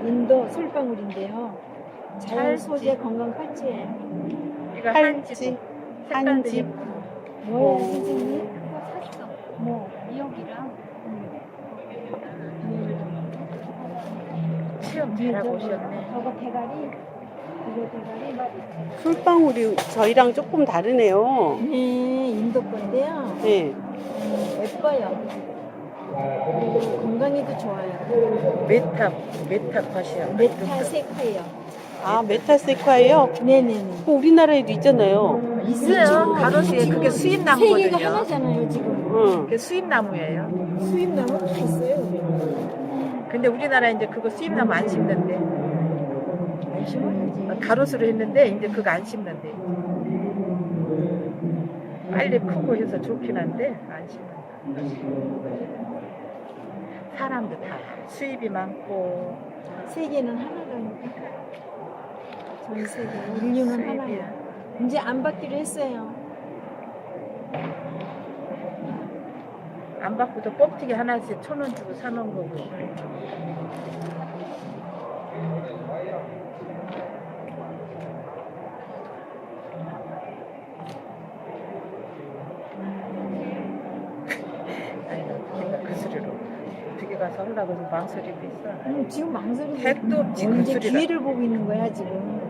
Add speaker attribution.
Speaker 1: 인도 솔방울인데요. 자연 소재 건강 팔찌예요.
Speaker 2: 이거
Speaker 3: 팔찌, 한지.
Speaker 1: 뭐예요, 선생님?
Speaker 4: 그거 샀어.
Speaker 1: 뭐?
Speaker 4: 미역이랑.
Speaker 2: 체험 잘하고 오셨네.
Speaker 1: 저거 대가리, 이거 대가리.
Speaker 3: 솔방울이 저희랑 조금 다르네요.
Speaker 1: 네, 인도 건데요.
Speaker 3: 네.
Speaker 1: 예뻐요. 그리고 건강에도 좋아요.
Speaker 2: 메타팟이야.
Speaker 1: 메타세콰이어.
Speaker 3: 아, 메타세콰예요?
Speaker 1: 네네네.
Speaker 3: 그 우리나라에도 있잖아요.
Speaker 2: 있어요. 가로수에 그게 수입
Speaker 1: 세계가
Speaker 2: 나무거든요.
Speaker 1: 하나잖아요, 지금.
Speaker 3: 응.
Speaker 2: 그게 수입 나무예요.
Speaker 1: 수입 나무 다 있어요.
Speaker 2: 근데 우리나라 이제 그거 수입 나무 안 심는데.
Speaker 1: 안 심어야지.
Speaker 2: 가로수로 했는데 이제 그거 안 심는데. 빨리 크고 해서 좋긴 한데 안 심는다. 사람도 다 수입이 많고
Speaker 1: 세계는 하나라니까. 전 세계 인류는 하나예요.
Speaker 2: 수입이야.
Speaker 1: 이제 안 받기로 했어요.
Speaker 2: 안 받고도 뻥튀기 하나씩 1,000원 주고 사놓은 거고. 아니, 내가 그 소리로 어떻게 가서 하려고 해서 망설이고 있어.
Speaker 1: 지금 망설이고
Speaker 2: 택도 없지 그
Speaker 1: 언제
Speaker 2: 소리가.
Speaker 1: 기회를 보고 있는 거야 지금.